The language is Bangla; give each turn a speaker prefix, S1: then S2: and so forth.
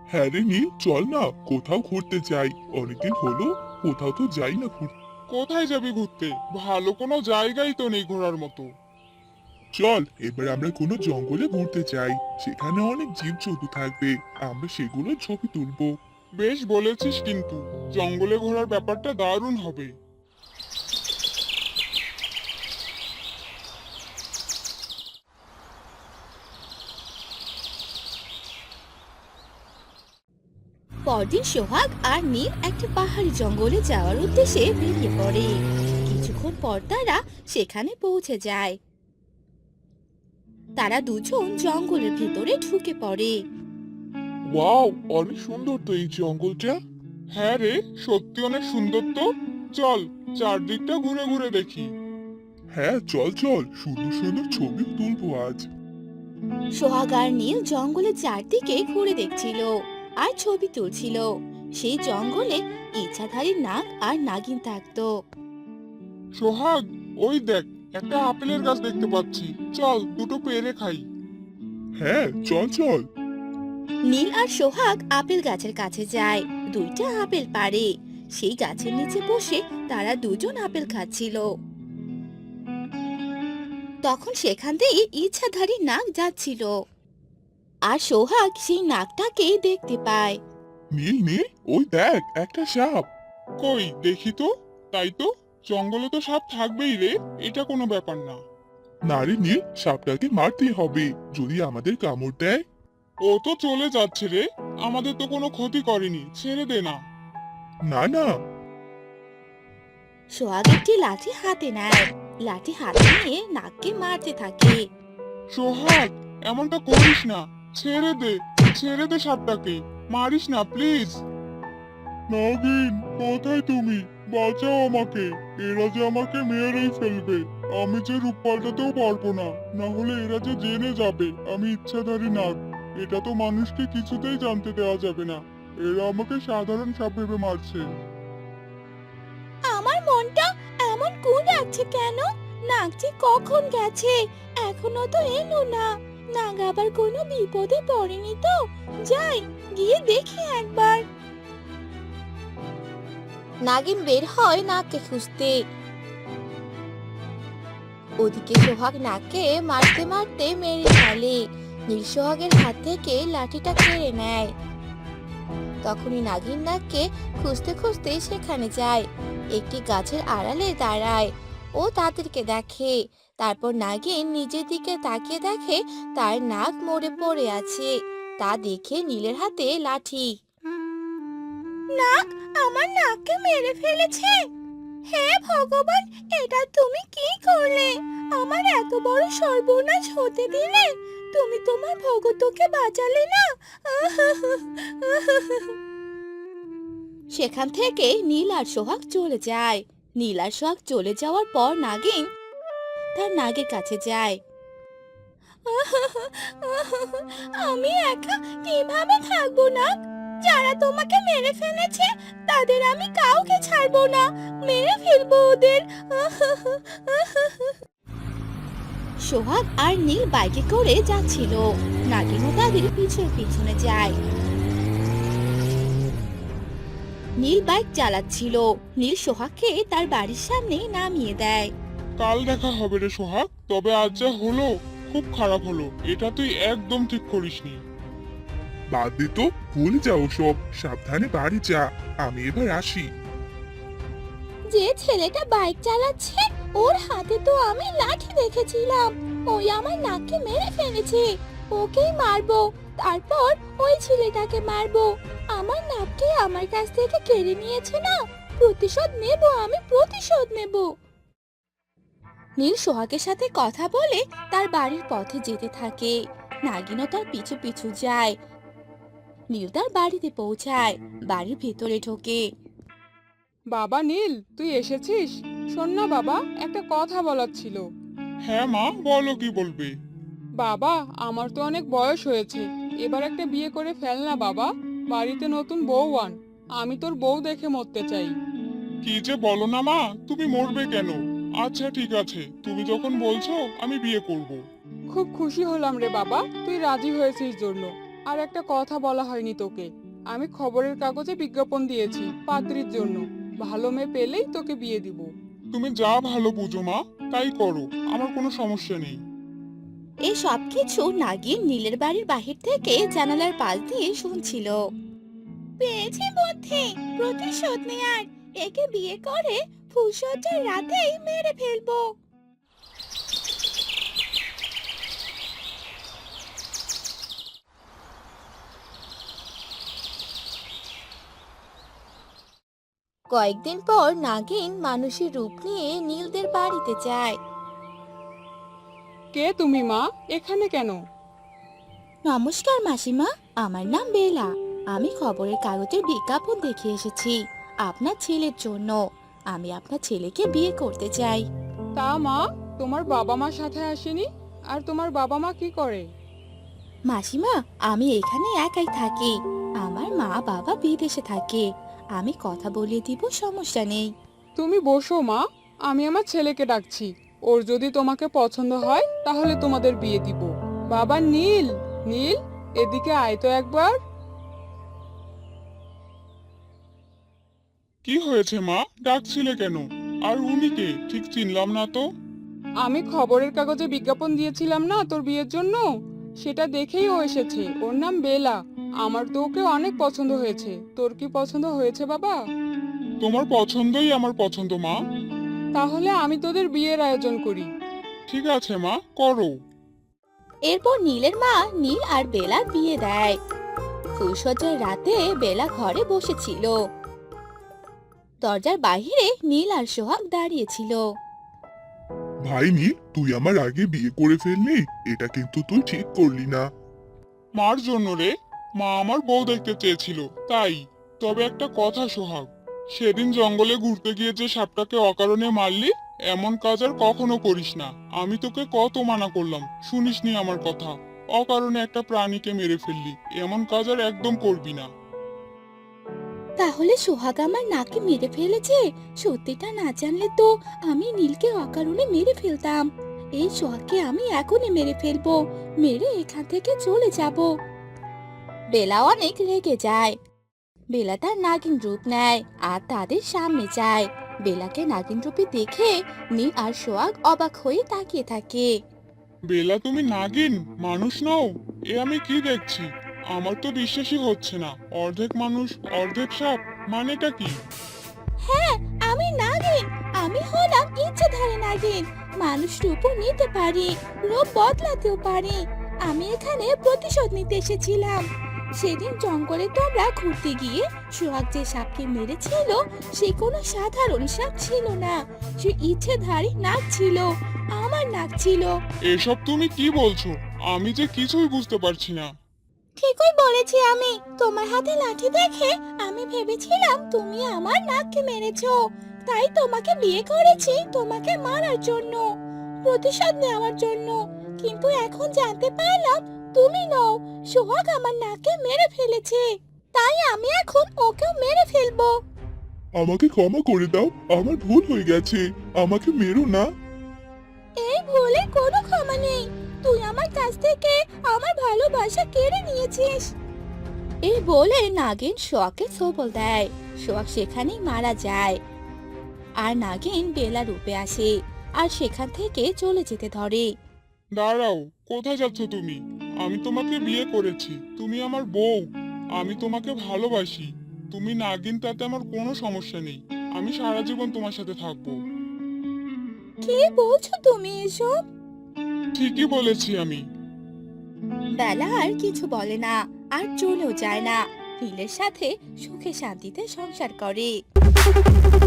S1: হ্যাঁ রে নীল, চল না কোথাও ঘুরতে যাই। অনেকদিন হলো কোথাও তো যাই না ঘুরতে।
S2: কোথায় যাবি ঘুরতে? ভালো কোনো জায়গাই তো নেই ঘোরার মতো।
S1: চল এবার আমরা কোনো জঙ্গলে ঘুরতে যাই। সেখানে অনেক জীবজন্তু থাকবে, আমরা সেগুলো ছবি তুলবো।
S2: বেশ বলেছিস, কিন্তু জঙ্গলে ঘোরার ব্যাপারটা দারুণ হবে।
S3: পরদিন সোহাগ আর নীল একটা পাহাড়ি জঙ্গলে যাওয়ার উদ্দেশ্যে বেরিয়ে পড়ে। কিছুক্ষণ পর তারা সেখানে পৌঁছে যায়। তারা দুজন জঙ্গলের ভিতরে ঢুকে পড়ে।
S2: ওয়াও, অনেক সুন্দর তো এই জঙ্গলটা। হ্যাঁ রে, সত্যি অনেক সুন্দর তো। চল চারদিকটা ঘুরে ঘুরে দেখি।
S1: হ্যাঁ চল চল, সুন্দর সুন্দর ছবি তুলবো আজ।
S3: সোহাগ আর নীল জঙ্গলের চারদিকে ঘুরে দেখছিল আর ছবি তুলছিল। সেই জঙ্গলে ইচ্ছাধারী নাগ আর নাগিন থাকতো।
S2: সোহাগ, ওই দেখ, একটা আপেলের গাছ দেখতে পাচ্ছি। চল দুটো পেড়ে খাই।
S1: হ্যাঁ চল চল।
S3: নীল আর সোহাগ আপেল গাছের কাছে যায়। দুইটা আপেল পাড়ে। সেই গাছের নিচে বসে তারা দুজন আপেল খাচ্ছিল। তখন সেখান দিয়ে ইচ্ছাধারী নাগ যাচ্ছিল আর সোহাগ সেই নাগটাকে দেখতে পায়।
S1: নীল নীল, ওই দেখ একটা সাপ।
S2: কই দেখি তো। তাই তো, জঙ্গলে তো সাপ থাকবেই রে, এটা কোনো ব্যাপার না।
S1: না রে নীল, সাপটাকে মারতেই হবে, যদি আমাদের কামড় দেয়।
S2: ও তো চলে যাচ্ছে রে, আমাদের তো কোনো ক্ষতি করেনি, ছেড়ে দে না।
S1: না না।
S3: সোহাগ একটি লাঠি হাতে নেয়। লাঠি হাতে নিয়ে নাগকে মারতে থাকে।
S2: সোহাগ, এমনটা করিস না। ছেড়ে দে, ছেড়ে দে সাপটাকে। মারিস না প্লিজ। নাগিন, কোথায় তুমি? বাঁচাও আমাকে। এরা যে আমাকে মেরেই ফেলবে। আমি যে রূপ পাল্টাতেও পারবো না, না হলে এরা যে জেনে যাবে আমি ইচ্ছাধারী নাগ। এটা তো মানুষকে কিছুতেই জানতে দেওয়া যাবে না। এরা আমাকে সাধারণ সাপ ভেবে মারছে।
S3: আমার মনটা এমন কোন আছে কেন? নাগটি কখন গেছে? এখনো তো এলো না। নাগ আবার কোনো বিপদে পড়েনি তো? যাই, গিয়ে দেখি একবার। নাগিন বের হয় নাগকে খুঁজতে। ওদিকে সোহাগ নাগকে মারতে মারতে মেরে ফেলে। নীল সোহাগের হাত থেকে লাঠিটা কেড়ে নেয়। তখনই নাগিন নাগকে খুঁজতে খুঁজতে সেখানে যায়। একটি গাছের আড়ালে দাঁড়ায়। ও তাদেরকে দেখে। তারপর নাগিন নিজের দিকে তাকিয়ে দেখে তার নাক মরে পড়ে আছে। তা দেখে নীলের হাতে লাঠি। নাগ আমার নাককে মেরে ফেলেছে। হে ভগবান, এটা তুমি কি করলে? আমার এত বড় সর্বনাশ হতে দিলে? তুমি তোমার ভগতকে বাঁচালে না। সেখান থেকে নীল আর সোহাগ চলে যায়। নীল আর সোহাগ চলে যাওয়ার পর নাগিন তার নাগের কাছে যায়। আমি একা কিভাবে থাকবো না? যারা তোমাকে মেরে ফেলেছে তাদের আমি কাউকে ছাড়বো না, মেরে ফেলবো ওদের। সোহাগ আর নীল বাইকে করে যাচ্ছিল। নাগিনও তাদের পিছনে পিছনে যায়। নীল বাইক চালাচ্ছিল। নীল সোহাগকে তার বাড়ির সামনে নামিয়ে দেয়।
S2: কাল দেখা হবে রে সোহাগ, তবে আজ যা হলো খুব খারাপ হলো। এটা তুই একদম ঠিক করিসনি।
S1: বাদ দে তো, ভুলে যাও সব, সাবধানে বাড়ি যা। আমি এবার আসি।
S3: যে ছেলেটা বাইক চালাচ্ছে ওর হাতে তো আমি লাঠি দেখেছিলাম। ওই আমার নাককে মেরে ফেলেছে। ওকেই মারবো, তারপর ওই ছেলেটাকে মারবো। আমার নাককে আমার কাছ থেকে কেড়ে নিয়েছে না, প্রতিশোধ নেব, আমি প্রতিশোধ নেব। নীল সোহাগের সাথে কথা বলে তার বাড়ির পথে যেতে থাকে। নাগিনও তার পিছু পিছু যায়। নীল তার বাড়িতে পৌঁছায়। বাড়ির ভেতরে ঢোকে।
S4: বাবা নীল, তুই এসেছিস? শোন না বাবা, একটা কথা বলার ছিল।
S2: হ্যাঁ মা, বলো কি বলবে।
S4: বাবা, আমার তো অনেক বয়স হয়েছে, এবার একটা বিয়ে করে ফেল না বাবা। বাড়িতে নতুন বউ আন। আমি তোর বউ দেখে মরতে চাই।
S2: কি যে বলো না মা, তুমি মরবে কেন? আচ্ছা ঠিক আছে, তুমি যখন বলছো আমি বিয়ে করব।
S4: খুব খুশি হলাম রে বাবা, তুই রাজি হয়েছিস জন্য। আর একটা কথা বলা হয়নি তোকে। আমি খবরের কাগজে বিজ্ঞাপন দিয়েছি পাত্রীর জন্য। ভালো মেয়ে পেলেই তোকে বিয়ে দিব।
S2: তুমি যা ভালো বুঝো মা, তাই করো, আমার কোনো সমস্যা নেই।
S3: এই সব কিছু নাগিন নীলের বাড়ির বাহির থেকে জানালার পাশ দিয়ে শুনছিল। পেয়েছি বুদ্ধি, প্রতিশোধ নেয়ার। একে বিয়ে করে ফুলসজ্জার রাতেই মেরে ফেলবো। কয়েকদিন পর নাগিন মানুষের রূপ নিয়ে নীলদের বাড়িতে যায়।
S4: কে তুমি মা, এখানে কেন?
S3: নমস্কার মাসিমা, আমার নাম বেলা। আমি খবরের কাগজের বিজ্ঞাপন দেখে এসেছি আপনার ছেলের জন্য। আমি আপনার ছেলেকে বিয়ে করতে চাই।
S4: তা মা, তোমার বাবা মা সাথে আসেনি? আর তোমার বাবা মা কি করে?
S3: মাসিমা, আমি এখানে একাই থাকি। আমার মা বাবা বিদেশে থাকে। আমি কথা বলিয়ে দিব, সমস্যা নেই।
S4: তুমি বসো মা, আমি আমার ছেলেকে ডাকছি। ওর যদি তোমাকে পছন্দ হয় তাহলে তোমাদের বিয়ে দিব। বাবা নীল, নীল, এদিকে আয় তো একবার।
S2: কি হয়েছে মা, ডাকছিলে কেন? আর উনি কে, ঠিক চিনলাম না তো।
S4: আমি খবরের কাগজে বিজ্ঞাপন দিয়েছিলাম না তোর বিয়ের জন্য, সেটা দেখেই ও এসেছে। ওর নাম বেলা। আমার তো ওকে অনেক পছন্দ হয়েছে। তোর কি পছন্দ হয়েছে বাবা?
S2: তোমার পছন্দই আমার পছন্দ মা।
S4: তাহলে আমি তোদের বিয়ের আয়োজন করি।
S2: ঠিক আছে মা, করো।
S3: এরপর নীলের মা নীল আর বেলার বিয়ে দেয়। ফুলসজ্জার রাতে বেলা ঘরে বসেছিল। দরজার বাইরে নীল আর সোহাগ দাঁড়িয়েছিল।
S1: ভাই নীল, তুই আমার আগে বিয়ে করে ফেললি, এটা কিন্তু তুই ঠিক করলি না।
S2: মার জন্য রে, মা আমার বউ দেখতে চেয়েছিল তাই। তবে একটা কথা সোহাগ, সেদিন জঙ্গলে ঘুরতে গিয়ে যে সাপটাকে অকারণে মারলি, এমন কাজ আর কখনো করিস না। আমি তোকে কত মানা করলাম, শুনিসনি আমার কথা। অকারণে একটা প্রাণীকে মেরে ফেললি, এমন কাজ আর একদম করবি না।
S3: তাহলে সোহাগ আমার নাকে মেরে ফেলেছে? সত্যিটা না জানলে তো আমি নীলকে অকারণে মেরে ফেলতাম। এই সোহাগকে আমি এখনই মেরে ফেলবো, মেরে এখান থেকে চলে যাব। বেলা অনেক রেগে যায়। বেলা তার নাগিন রূপ নেয় আর তাদের সামনে যায়। বেলাকে নাগিন রূপে দেখে নীল আর সোহাগ অবাক হয়ে তাকিয়ে থাকে।
S2: বেলা, তুমি নাগিন, মানুষ নও? এ আমি কি দেখছি? আমার তো বিশ্বাসই হচ্ছে না। অর্ধেক মানুষ অর্ধেক সাপ, মানেটা কি?
S3: হ্যাঁ, আমি নাগিন। আমি হলাম ইচ্ছাধারী নাগিন। মানুষ রূপও নিতে পারি, রূপ বদলাতেও পারি। আমি এখানে প্রতিশোধ নিতে এসেছিলাম। সেদিন জঙ্গলে তোমরা ঘুরতে গিয়ে সোহাগ যে সাপকে মেরেছিল, সে কোনো সাধারণ সাপ ছিল না। সে ইচ্ছাধারী নাগ ছিল, আমার নাগ ছিল।
S2: এসব তুমি কি বলছো? আমি যে কিছুই বুঝতে পারছি না।
S3: ঠিকই বলেছি আমি। তোমার হাতে লাঠি দেখে আমি ভেবেছিলাম তুমি আমার নাককে মেরেছো। তাই তোমাকে বিয়ে করেছি তোমাকে মারার জন্য, প্রতিশোধ নেওয়ার জন্য। কিন্তু এখন জানতে পারলাম তুমি নও, সোহাগ আমার নাককে মেরে ফেলেছে। তাই আমি এখন ওকেও মেরে ফেলবো।
S1: আমাকে ক্ষমা করে দাও, আমার ভুল হয়ে গেছে, আমাকে মেরো না।
S3: এই ভুলে কোনো ক্ষমা নেই। তুই আমার কাছ থেকে আমার ভালোবাসা কেড়ে নিয়েছিস। এই বলে নাগিন সোহাগকে সবল দেয়। সোহাগ সেখানেই মারা যায়। আর নাগিন বেলা রূপে আসে আর সেখান থেকে চলে যেতে ধরে।
S2: দাঁড়াও, কোথায় যাচ্ছ তুমি? আমি তোমাকে বিয়ে করেছি, তুমি আমার বউ। আমি তোমাকে ভালোবাসি। তুমি নাগিন, তাতে আমার কোনো সমস্যা নেই। আমি সারা জীবন তোমার সাথে থাকবো।
S3: কি বলছো তুমি এসব?
S2: ঠিকই বলেছি আমি।
S3: বেলা আর কিছু বলে না, আর চলেও যায় না। নীলের সাথে সুখে শান্তিতে সংসার করে।